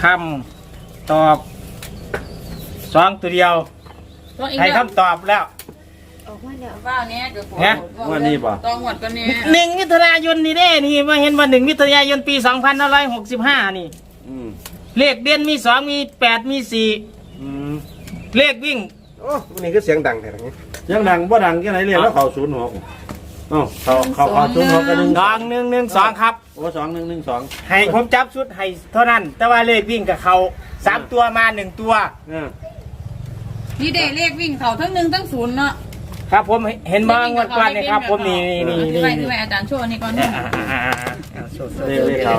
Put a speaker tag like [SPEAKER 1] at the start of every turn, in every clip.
[SPEAKER 1] คำตอบ2ตัวเดียวให้คำตอบแล้ว
[SPEAKER 2] ออกมาแล้ว
[SPEAKER 3] ว่าเนี้ยเดี๋ยวผม
[SPEAKER 4] วันนี้ป่ะ
[SPEAKER 3] ต้องหมดกันนี้
[SPEAKER 1] 1 มิถุนายนนี่เด้นี่มาเห็นว่า1 มิถุนายนปี2565นี่เลขเด่นมี2มี8มี4เลขวิ่ง
[SPEAKER 5] โอ้นี่ก็เสียงดังแท้ๆนี่
[SPEAKER 4] เสียงดังบ่ดังแค่ไหนเรียกแล้วเขา06เขา06กัน
[SPEAKER 1] 2112ครับ
[SPEAKER 4] โอ้2112
[SPEAKER 1] ให้ผมจับชุดให้เท่านั้นแต่ว่าเลขวิ่งกับเขา3ตัวมา1ตัว
[SPEAKER 3] นี่เด็เลขวิ่งเขาทั้ง1ทั้ง0เนาะ
[SPEAKER 1] ครับผมเห็นบ้างวันก่อนนี่ครับผมนี่
[SPEAKER 3] ที่ไปอาจารย์โชว์นี่ก่อน
[SPEAKER 4] เรียกเขา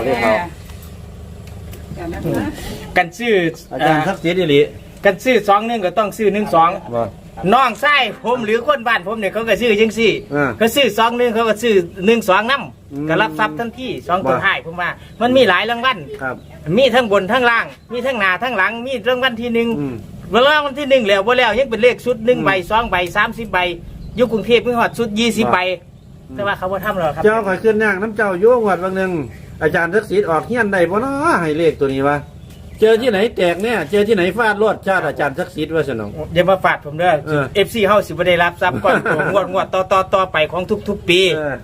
[SPEAKER 1] กันซื้อ
[SPEAKER 4] อาจารย์ทักษิณอิริ
[SPEAKER 1] กันซื้อ21ก็ต้องซื้อ12น้องไส้ผมหรือคนบ้านผมเนี่ยเขาก็ซื้อจังซี่เขาซื้อ21เขาก็ซื้อ12นำก็รับทรัพย์ทันที2ตัวท้ายผมว่ามันมีหลายรางวัลมีทั้งบนทั้งล่างมีทั้งหน้าทั้งหลังมีรางวัลที่1เวลาวันที่1แล้วบ่แล้วยังเป็นเลขชุด1ใบ2ใบ30ใบอยู่กรุงเทพมีฮอดชุด20ใบแต่ว่าเขาบ่ทำหรอกครับ
[SPEAKER 4] เจ้าข่อยขึ้นย่างน้ำเจ้าโยงวัดบางนึงอาจารย์ทักษิณออกเฮียนได้บ่เนาะให้เลขตัวนี้วะเจอที่ไหนแตกเนี่ยเจอที่ไหนฟาดรวดชาติอาจารย์ทักษิณว่าสนอง
[SPEAKER 1] อย่ามาฟาดผมเด้อ FC เฮาสิบ่ได้รับทรัพย์ก่อนงวดต่อไปของทุกๆปี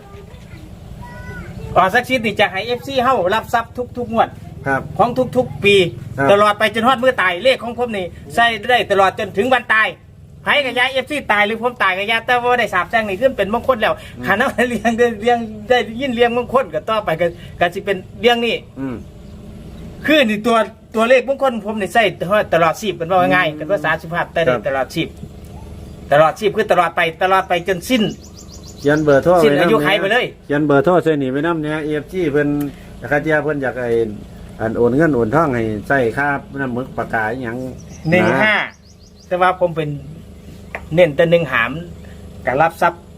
[SPEAKER 1] ทักษิณนี่จะให้ FC เฮารับทรัพย์ทุกๆงวดของทุกๆปีตลอดไปจนฮอดมื้อตายเลขของผมนี่ใช้ได้ตลอดจนถึงวันตายไผกับยา FC ตายหรือผมตายกับยาแต่ว่าได้สาบแช่งนี่ขึ้นเป็นมงคลแล้วขันเอาเลี้ยงได้ยินเลี้ยงมงคลก็ต่อไปก็สิเป็นเลี้ยงนี่คือนี่ตัวเลขมงคลผมนี่ใช้ตลอดชีพเป็นว่าง่ายเป็นภาษาสุภาพแต่ได้ตลอดชีพคือตลอดไปจนสิ้น
[SPEAKER 4] เขียนเบอร์โทร
[SPEAKER 1] สิ้นอายุไขไปเลย
[SPEAKER 4] เขียนเบอร์โทรใส่หนีไปน้ำเนี่ย EFG เพิ่นคาเจียเพิ่นอยากไอ้โอนเงินโอนทองให้ใส่ค่าน้ำมึกปากกาอย่าง
[SPEAKER 1] 15แต่ว่าผมเป็นเน้นแต่1หามกับรับทรัพย์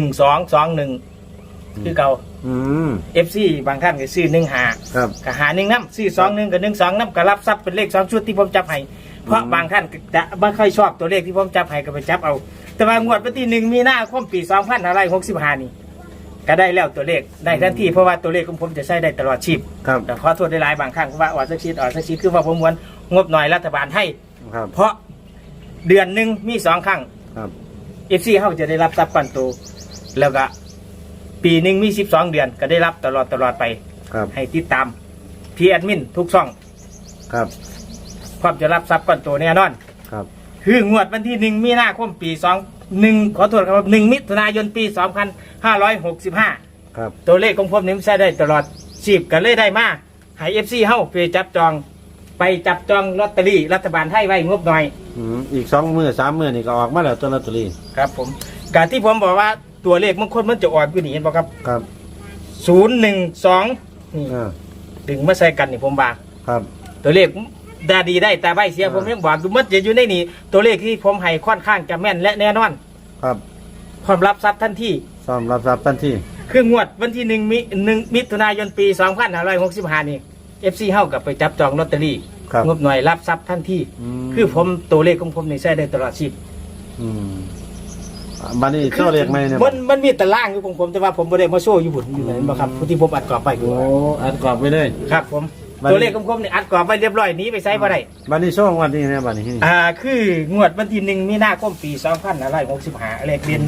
[SPEAKER 1] 1221คือเก่าFC บางท่านก็ซื้อ1หากับหา1น้ำซื้อ21กับ12น้ำกับรับทรัพย์เป็นเลข2ชุดที่ผมจับให้เพราะบางท่านจะไม่ค่อยชอบตัวเลขที่ผมจับให้ก็ไปจับเอาแต่ว่างวดวันที่1 มีนาคมปี2565นี่ก็ได้แล้วตัวเลขได้ทันทีเพราะว่าตัวเลขของผมจะใช้ได้ตลอดชีพแต่ขอโทษได้หลายบางครั้งเพราะว่าออดสักชิดคือว่าผมม้วนงบหน่อยรัฐบาลให้เพราะเดือนหนึ่งมี2 ครั้งFC เขาจะได้รับทรัพย์ก้อนโตแล้วก็ปีหนึ่งมี12 เดือนก็ได้รับตลอดไปให้ติดตามพี่แอดมินทุกช่องความจะรับทรัพย์ก้อนโตแน่นอนคืองวดวันที่1 มีนาคมปี21ขอโทษครับ1 มิถุนายนปี2565ตัวเลขของผมนี้ใช้ได้ตลอดชีพก็เลยได้มาให้ FC เฮาไปจับจองลอตเตอรี่รัฐบาลให้ไว้งบหน่อย
[SPEAKER 4] อีก2 มื้อ 3 มื้อนี่ก็ออกมาแล้วตัวลอตเตอรี่
[SPEAKER 1] ครับผมการที่ผมบอกว่าตัวเลขบางคนมันจะออกอยู่นี่เห็นป่ะครับ012นี่ดึงมาใส่กันนี่ผมบอกตัวเลขดาดีได้แต่ใบเสียผมยังบอกดูมันจะอยู่ในนี่ตัวเลขที่ผมให้ค่อนข้างจะแม่นและแน่นอนพร้อมรับทรัพย์ทันทีคืองวดวันที่1 มิถุนายนปี2565นี่FC เฮากับไปจับจองลอตเตอรี่งบหน่อยรับทรัพย์ทันทีคือผมตัวเลขของผมนี่ใช้ได้ตลอดชีพ
[SPEAKER 4] บันนี้โชว์เลขไหมเนี่ย
[SPEAKER 1] มันมีตารางอยู่ของผมแต่ว่าผมไม่ได้มาโชว์อยู่บุญอยู่ไหนบ้างครับที่ผมอัดกรอบไป
[SPEAKER 4] อัดกรอบไปเลย
[SPEAKER 1] ครับผมตัวเลขของผมนี่อัดกรอบไปเรียบร้อยนี้ไปใช้บ่ได้
[SPEAKER 4] บันนี้โชว์วันนี้เนี่ยบันนี้
[SPEAKER 1] คืองวดวันที่1 มีนาคมปี2565เลขเด่น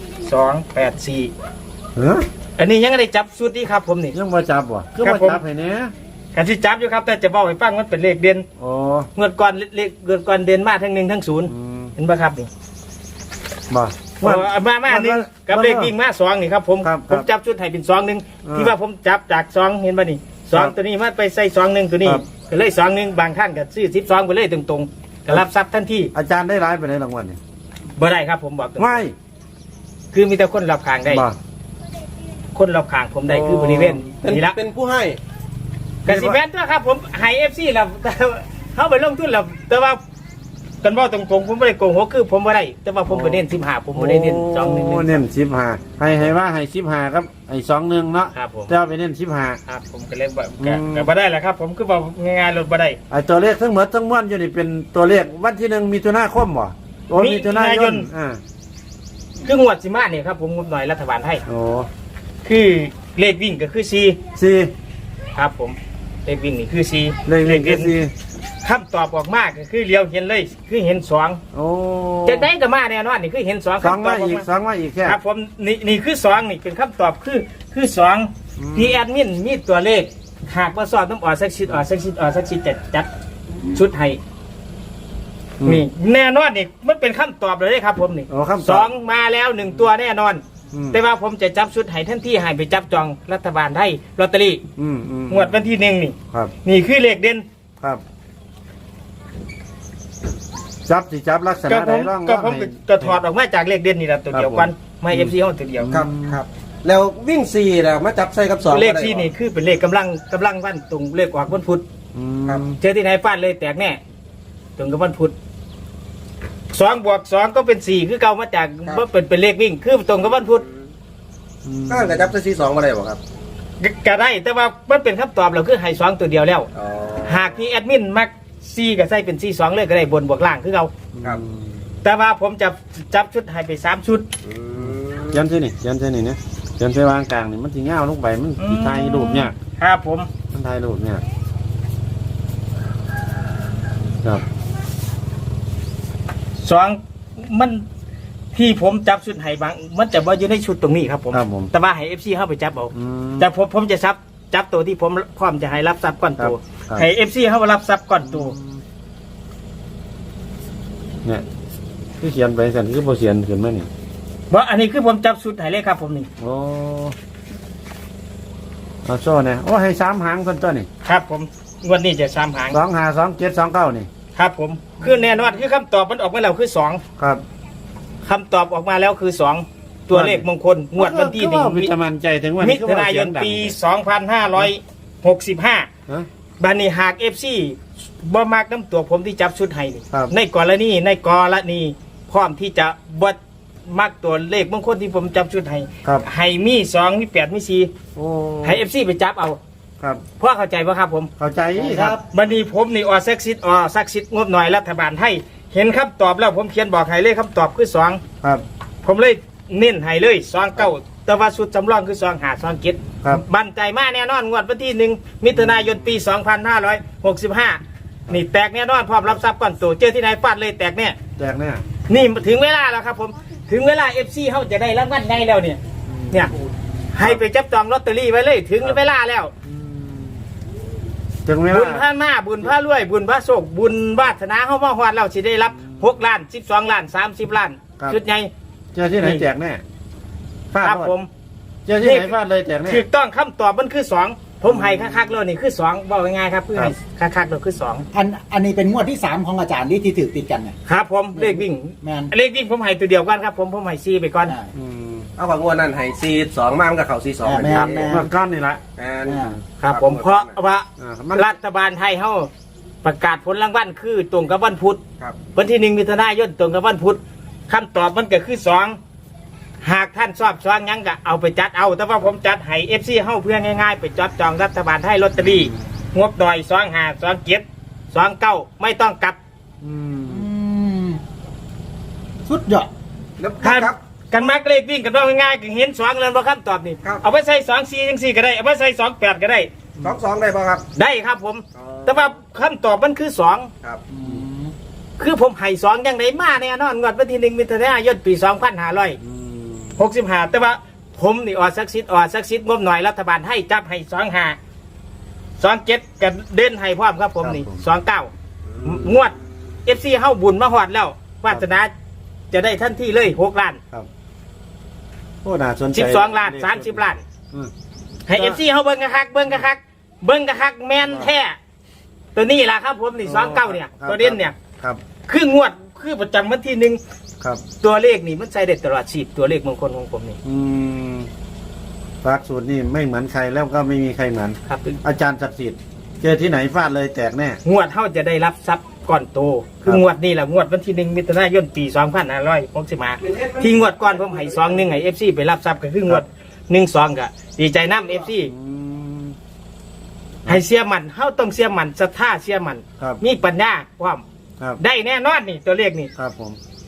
[SPEAKER 1] 284อันนี้ยังไม่ได้จับชุดนี้ครับผมนี่
[SPEAKER 4] ยังมาจับวะก็มาจับให้เนี่ย
[SPEAKER 1] การที่จับอยู่ครับแต่จะบอกให้ฟังมันเป็นเลขเด่นเงินก้อนเลขเงินก้อนเด่นมาทั้ง1ทั้ง0เห็นป่ะครับนี่มา1กับเลขวิ่งมา2นี่ครับผมจับชุดให้เป็น2-1ที่ว่าผมจับจาก2เห็นป่ะนี่2ตัวนี้มาไปใส่2-1ตัวนี้ก็เลย2-1บางท่านก็ซื้อ12ไปเลยตรงๆก็รับทรัพย์ทันที
[SPEAKER 4] อาจารย์ได้ร้ายไปในรางวัลนี่
[SPEAKER 1] บ่ได้ครับผมบอก
[SPEAKER 4] ไม่
[SPEAKER 1] คือมีแต่คนรับขางได้คนรับขางผมได้คือบริเวณนี่ละ
[SPEAKER 5] เป็นผู้ให้
[SPEAKER 1] กสิแมนตัวครับผมให้ FC แล้วเขาไปลงทุนแล้วแต่ว่ากันว่าตรงๆผมไม่ได้โกงหัวคือผมไม่ได้แต่ว่าผมไปเน้น15ผมไม่ได้เน้น
[SPEAKER 4] 2-1เน้น15ให้ว่าให้15ครับไอ้2-1เนาะแต่ว่าไปเน้น15
[SPEAKER 1] ครับผมก็เลยแบบบ่ได้แหละครับผมคือบอกง่ายๆลดบ่ได้
[SPEAKER 4] ไอ้ตัวเลขทั้งหมดทั้งมวลอยู่นี่เป็นตัวเลขวันที่1 มิถุนายนบ่
[SPEAKER 1] มิถุนายนคืองวดสิมาเนี่ยครับผมงบหน่อยรัฐบาลให้คือเลขวิ่งก็คือ4ครับผมเลขวิ่งนี่คือ4
[SPEAKER 4] เลขวิ่งคือ4
[SPEAKER 1] คำตอบออกมาก็คือเลี้ยวเห็นเลยคือเห็นสอง
[SPEAKER 4] โอ้
[SPEAKER 1] จะได้ก็มาแน่นอนนี่คือเห็นสอง
[SPEAKER 4] สอง
[SPEAKER 1] คำตอ
[SPEAKER 4] มา
[SPEAKER 1] บออก
[SPEAKER 4] อีก
[SPEAKER 1] มา
[SPEAKER 4] สองมาอีกแค่
[SPEAKER 1] ครับผมนี่คือสองนี่เป็นคำตอบคือสอง
[SPEAKER 4] อืม
[SPEAKER 1] ที่แอดมินมีตัวเลขหากว่าสอบต้องออกสักชิดออกสักชิดออกสักชิดจะจัดชุดให้นี่แน่นอนนี่มันเป็นคำตอบเลยครับผมนี่
[SPEAKER 4] โอ้คำต
[SPEAKER 1] ส
[SPEAKER 4] อ
[SPEAKER 1] อบ งมาแล้วหนึ่งตัวแน่นอน
[SPEAKER 4] อืม
[SPEAKER 1] แต่ว่าผมจะจับชุดให้ท่านที่ให้ไปจับจองรัฐบาลได้ลอตเตอรี่
[SPEAKER 4] อืม
[SPEAKER 1] งวดวันที่หนึ่งนี่
[SPEAKER 4] ครับ
[SPEAKER 1] นี่คือเลขเด่น
[SPEAKER 4] ครับจับสิจับลักษ
[SPEAKER 1] ก็
[SPEAKER 4] ณะ
[SPEAKER 1] ผ
[SPEAKER 4] ใด
[SPEAKER 1] ม
[SPEAKER 4] ร่อง
[SPEAKER 1] ก็ผม
[SPEAKER 4] ให้
[SPEAKER 1] ก็ถอดออกมาจากเลขเด่นนี่แหละตัวเดียวกันไม่เอฟซีห้องตัวเดียว
[SPEAKER 5] ครับครับแล้ววิ่ง4แล้วมาจับใส่กับ2
[SPEAKER 1] เลขที่นี่คือเป็นเลขกำลังวันตรงเลขออกวันพุธ
[SPEAKER 4] อืม
[SPEAKER 5] ครับ
[SPEAKER 1] เจอที่ไหนฟาดเลยแตกแน่ตรงกับวันพุธ2+2ก็เป็น4คือเก่ามาจากว่าเป็นเลขวิ่งคือตรงกับวันพุธ
[SPEAKER 5] ก็จะจับใส่2บ่ได้บ่ครับ
[SPEAKER 1] ก็ได้แต่ว่ามันเป็นคำตอบเราคือให้2ตัวเดียวแล้ว
[SPEAKER 5] อ๋อ
[SPEAKER 1] หากที่แอดมินมัก4ก็ใส่เป็น4-2เลยก็ได้บนบวกล่างคือเรา
[SPEAKER 5] ครับ
[SPEAKER 1] แต่ว่าผมจะจับชุดให้ไป3ชุด
[SPEAKER 4] ยันใช่นี่ยันใช่นี่เนี่ยยันใช่วางกลางนี่มันทีเงาลงไปมันสิถ่ายรูปเนี่ย
[SPEAKER 1] ครับผม
[SPEAKER 4] มันถ่ายรูปเนี่ยครับ
[SPEAKER 1] 2มันที่ผมจับชุดให้บางมันจะว่าอยู่ในชุดตรงนี้ครับผม
[SPEAKER 4] ครับผม
[SPEAKER 1] แต่ว่าให้ FC เข้าไปจับเอา
[SPEAKER 4] อืม
[SPEAKER 1] แต่ผมจะจับตัวที่ผมพร้อมจะให้รับทรัพย์ก่อนตัว
[SPEAKER 4] ครับ
[SPEAKER 1] ให้ FC เข้ามารับทรัพย์ก่อนตัว
[SPEAKER 4] เนี่ยคือเขียนไปสันคือโบเขียนขึ้นมานี่
[SPEAKER 1] เพราะอันนี้คือผมจับชุดให้เลยครับผมนี่
[SPEAKER 4] โอ้เอาโซ่เนี่ยโอ้ให้3 หางคนตัวนี่
[SPEAKER 1] ครับผมงวดนี้จะ3 หาง
[SPEAKER 4] 2 5 2 7 2 9นี่
[SPEAKER 1] ครับผมคือแน่นอนคือคำตอบมันออกมาแล้วคือ2
[SPEAKER 4] ครับ
[SPEAKER 1] คำตอบออกมาแล้วคือ2ตัวเลขมงคลงวดวันที่
[SPEAKER 4] คือว่าวิตามันใจถึงวัน
[SPEAKER 1] 1มิ
[SPEAKER 4] คือ
[SPEAKER 1] ถุ
[SPEAKER 4] ว่
[SPEAKER 1] นายน
[SPEAKER 4] เสีงดัง
[SPEAKER 1] ปี 2565
[SPEAKER 4] ฮะ
[SPEAKER 1] บันนี้หาก FC บ่มากน้ำตัวผมที่จับชุดให้นี่
[SPEAKER 4] ครับ
[SPEAKER 1] ในกรณีพร้อมที่จะบ่มักตัวเลขมงคลที่ผมจับชุดให้
[SPEAKER 4] ครับ
[SPEAKER 1] ให้มี2มี8มี4
[SPEAKER 4] โอ้
[SPEAKER 1] ให้ FC ไปจับเอา
[SPEAKER 4] ครับ
[SPEAKER 1] เพราะเข้าใจป่ะครับผม
[SPEAKER 4] เข้าใจครับ
[SPEAKER 1] บันนี้ผมนี่ซักซิดงบหน่อยรัฐบาลให้เห็นคำตอบแล้วผมเขียนบอกให้เลยคำตอบคือ2
[SPEAKER 4] ครับ
[SPEAKER 1] ผมเลยเน้นให้เลย2-9แต่ว่าสุดจำลองคือ2-5-2-7
[SPEAKER 4] ครับ
[SPEAKER 1] บันใจมากแน่นอนงวดวันที่1มิถุนายนปี 2565 นี่แตกแน่นอนพร้อมรับทรัพย์ก่อนตัวเจอที่ไหนฟาดเลยแตกแน่
[SPEAKER 4] แจกเนี่ย
[SPEAKER 1] นี่ถึงเวลาแล้วครับผมถึงเวลา FC เขาจะได้รางวัลไงแล้วเนี่ยให้ไปจับจองลอตเตอรี่ไว้เลยถึงเวลาแล้ว
[SPEAKER 4] ถึงเว
[SPEAKER 1] บุญ
[SPEAKER 4] ลา
[SPEAKER 1] พระมาบุญพระรวยบุญพระโศกบุญวาสนาเข้ามาฮอดเราสิได้รับ6 ล้าน12 ล้าน30 ล้านชุดใหญ่
[SPEAKER 4] เจอที่ไหนแจกแน่ฟาด
[SPEAKER 1] ครับ
[SPEAKER 4] โลด
[SPEAKER 1] ผม
[SPEAKER 4] เจอที่ไหนฟาดเลยแจกแน่
[SPEAKER 1] ถูกต้องคำตอบมันคือ2ผมให้คักๆเลยนี่คือ2บอกง่ายๆครับคือให้คักๆเลยคือ2
[SPEAKER 2] อันนี้เป็นงวดที่ 3 ของอาจารย์ที่ถือติดกันเนี่ย
[SPEAKER 1] ครับผมเลขวิ่ง
[SPEAKER 2] แมน
[SPEAKER 1] เลขวิ่งผมให้ตัวเดียวกันครับผมให้ซีไปก่อน
[SPEAKER 2] อ่า
[SPEAKER 4] อืม
[SPEAKER 5] เอาของงวดนั้นให้4 2มามันก็เข้า4 2
[SPEAKER 2] แม่น
[SPEAKER 4] เมื่อก้อนนี่ละ
[SPEAKER 1] ครับผมเพราะว่า
[SPEAKER 4] มัน
[SPEAKER 1] รัฐบาลไทยเขาประกาศผลรางวัลคือตรงกับวันพุธ
[SPEAKER 5] ครับ
[SPEAKER 1] วันที่1มิถุนายนตรงกับวันพุธคำตอบมันก็คือ2หากท่านชอบยังก็เอาไปจัดเอาแต่ว่าผมจัดให้ FC เฮาเพื่อง่ายๆไปจับจองรัฐบาลไทยลอตเตอรี่งบดอย252729ไม่ต้องกลับ
[SPEAKER 4] อืม
[SPEAKER 2] อืมสุดยอด
[SPEAKER 5] แล้ว
[SPEAKER 1] ครับ กันมักเลขวิ่งกันว่าง่ายๆก็เห็น2แล้วบ่คำตอบนี่
[SPEAKER 5] ครับ
[SPEAKER 1] เอาไปใส่24จังซี่ก็ได้เอาไปใส่28ก็ได้
[SPEAKER 5] 2 ได้ป่ะครับ
[SPEAKER 1] ได้ครับผม แต่ว่าคำตอบมันคือ2
[SPEAKER 5] ครับ
[SPEAKER 1] คือผมให้2ยังไดมาแน่นอนงวดวันที่1มิถุนายนปี
[SPEAKER 4] อืม
[SPEAKER 1] 2565แต่ว่าผมนี่ออซักซิดงบหน่อยรัฐบาลให้จับให้25 27กันเด่นให้พร้อมครับผมนี่29งวด FC เฮาบุญมาฮอดแล้ววาสนาจะได้ทันทีเลย6 ล้าน
[SPEAKER 4] โอ้น่าสนใจ
[SPEAKER 1] 12 ล้าน30 ล้าน
[SPEAKER 4] อืม
[SPEAKER 1] ให้ FC เฮาเบิ่งกะคักแม่นแท้ตัวนี้ล่ะครับผมนี่29เนี่ยตัวเด่นเนี่ย
[SPEAKER 4] ครับ
[SPEAKER 1] คืองวดคือประจำวันที่1
[SPEAKER 4] ครับ
[SPEAKER 1] ตัวเลขนี่มันใช้ได้ตลอดชีพตัวเลขมงคลของผมนี่
[SPEAKER 4] อืมฝากสูตรนี่ไม่เหมือนใครแล้วก็ไม่มีใครเหมือน
[SPEAKER 1] ครับ
[SPEAKER 4] อาจารย์ศักดิ์สิทธิ์เจอที่ไหนฟาดเลยแตกแน่
[SPEAKER 1] งวดเท่าจะได้รับทรัพย์ก่อนโต คืองวดนี่แหละงวดวันที่1มิถุนายนปี2565ที่งวดก่อนผมให้2-1ให้ FC ไปรับทรัพย์ก็คืองวด1-2ก็ดีใจนำ FC
[SPEAKER 4] อืม
[SPEAKER 1] ให้เสียมันเฮาต้องเสียมันศรัทธาเสียมัน
[SPEAKER 4] ครับ
[SPEAKER 1] มีปัญญาความ
[SPEAKER 4] ครับ
[SPEAKER 1] ได้แน่นอนนี่ตัวเลขนี่
[SPEAKER 4] ครับผม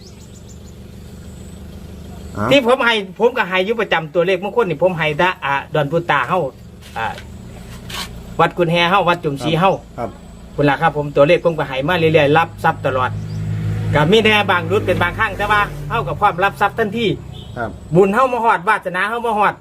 [SPEAKER 4] อ่า
[SPEAKER 1] ที่ผมก็ให้อยู่ประจำตัวเลขมงคลนี่ผมให้ดดอนพุตาเฮาวัดกุนแฮเฮาวัดจุมศรีเฮา
[SPEAKER 4] ครับ
[SPEAKER 1] คุณล่ะครับผมตัวเลขคงไปให้มาเรื่อยๆรับทรัพย์ตลอดก็มีแน่บางรุดเป็นบางครั้งแต่ว่าเฮากับความรับทรัพย์ทันที
[SPEAKER 4] ครับ
[SPEAKER 1] บุญเฮามาฮอดวาสนาเฮามาฮอด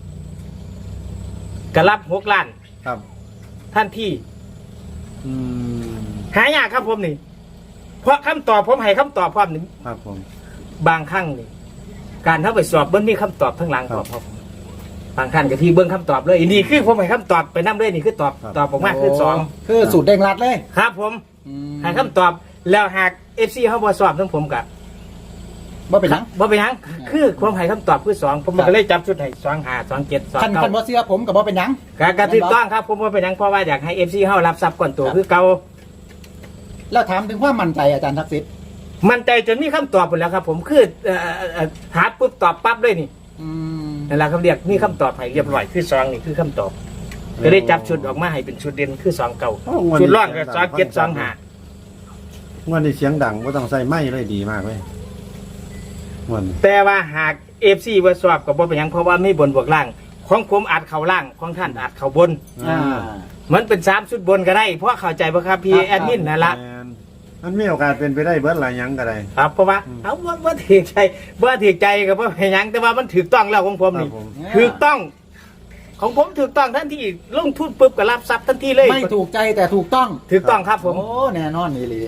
[SPEAKER 1] ก็รับ6 ล้าน
[SPEAKER 4] ครับ
[SPEAKER 1] ทันที
[SPEAKER 4] อืม
[SPEAKER 1] หายากครับผมนี่เพราะคำตอบผมให้คำตอบพร้อมนี่
[SPEAKER 4] ครับผม
[SPEAKER 1] บางครั้งนี่การเข้าไปสอบเบิ้งมีคำตอบทั้งหลังตอบครับบางท่านก็ที่เบิ้งคำตอบเลยนี่คือผมให้คำตอบไปนํเลยนี่คือตอบตอบออกมาคือ2
[SPEAKER 2] คือสูตรเด้งรัดเลย
[SPEAKER 1] ครับผมให้คำตอบแล้วหาก FC เฮาบ่สอบทั้งผมก็
[SPEAKER 2] ว่าเป็นหยัง
[SPEAKER 1] บ่เป็นหยังคือผมให้คำตอบคือ2ผมก็เลยจับชุดให้2 5 2 7 2
[SPEAKER 2] คันบ่เสื้อผมกับว่าเป็นหยัง
[SPEAKER 1] 9ก็ถูกต้องครับผมบ่เป็นหยังเพราะว่าอยากให้ FC เฮารับทรัพย์ก่อนตัวคือเก่า
[SPEAKER 2] แล้วถามถึงความมั่นใจอาจารย์ทักษิณ
[SPEAKER 1] มั่นใจจนมีคำตอบหมดแล้วครับ ผมคือหาปุ๊บตอบปั๊บเลยนี่ นั่นแหละเขาเรียกมีคำตอบให้เรียบร้อยคือ2นี่คือคำตอบก็ได้จับชุดออกมาให้เป็นชุดเด่นคือ2 เก่าชุดร่องก็2 7 2 5
[SPEAKER 4] งวดนี้เสียงดังบ่ต้องใส่ไม้เลยดีมากเลยงวดนี้
[SPEAKER 1] แต่ว่าหาก FC ว่าสอบก็บ่เป็นหยังเพราะว่ามีบนบวกล่างของผมอาจเข้าล่างของท่านอาจเข้าบน มันเป็น3ชุดบนก็ได้เพราะเข้าใจบ่ครับพี่แอดมินนั่นล่ะ
[SPEAKER 4] แม่นมันมีโอกาสเป็นไปได้เบิดหลายหยังก็ได้
[SPEAKER 1] ครับเพราะว่าเอาบ่ถือใจบ่ถือใจก็บ่เป็นหยังแต่ว่ามันถูกต้องแล้วของผมนี่
[SPEAKER 4] ครับผม
[SPEAKER 1] ถูกต้อง ของผมถูกต้องทันทีลงทุนปุ๊บก็รับทรัพย์ทันทีเลย
[SPEAKER 2] ไม่ถูกใจแต่ถูกต้อง
[SPEAKER 1] ถูกต้องครับผม
[SPEAKER 2] โอ้แน่นอนนี่เลย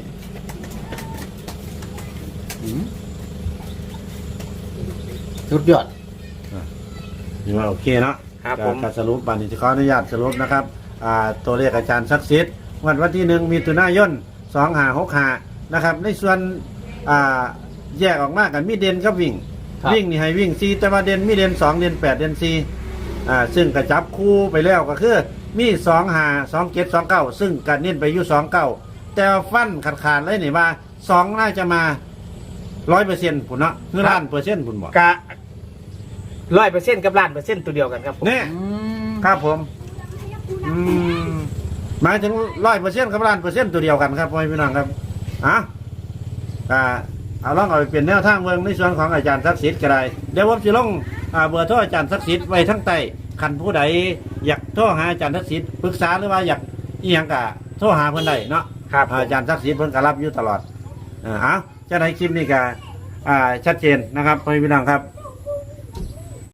[SPEAKER 2] สุดยอด
[SPEAKER 4] นี่ว่าโอเคเนาะ
[SPEAKER 1] ครับผม
[SPEAKER 4] การสรุปบันนี้ขออนุญาตสรุปนะครับตัวเลขอาจารย์ศักดิ์สิทธิ์วันที่1มิถุนายน2565นะครับในส่วนแยกออกมากันมีเด่นกับวิ่ง
[SPEAKER 2] ครับ
[SPEAKER 4] วิ่งนี่ให้วิ่ง4แต่ว่าเด่นมีเด่น2เด่น8เด่น4ซึ่งกระจับคู่ไปแล้วก็คือมี2 5 2 7 2 9ซึ่งการเน้นไปอยู่2 9แต่ว่าฟันขาดๆเลยนี่ว่า2น่าจะมา 100%ผุนเนาะคือล้านเปอร์เซ็นต์ผุนบอก
[SPEAKER 1] กะ100%กับ1,000,000%ตัวเดียวกันครับผม
[SPEAKER 4] เนี่ย ครับผมหมายถึง100%กับ1,000,000%ตัวเดียวกันครับพ่อพี่น้องครับเอาลองเอาไปเป็นแนวทางเมืองในส่วนของอาจารย์ศักดิ์สิทธิ์ก็ได้เดี๋ยวผมจะลงเบอร์โทรอาจารย์ศักดิ์สิทธิ์ไว้ทั้งใต้คันผู้ใดอยากโทรหาอาจารย์ศักดิ์สิทธิ์ปรึกษาหรือว่าอยากอีหยังก็โทรหาเพิ่นได้เนาะ
[SPEAKER 1] ครับ
[SPEAKER 4] อาจารย์ศักดิ์สิทธิ์เพิ่นก็รับอยู่ตลอดจะในคลิปนี้ก็ชัดเจนนะครับพ่อพี่น้องครับ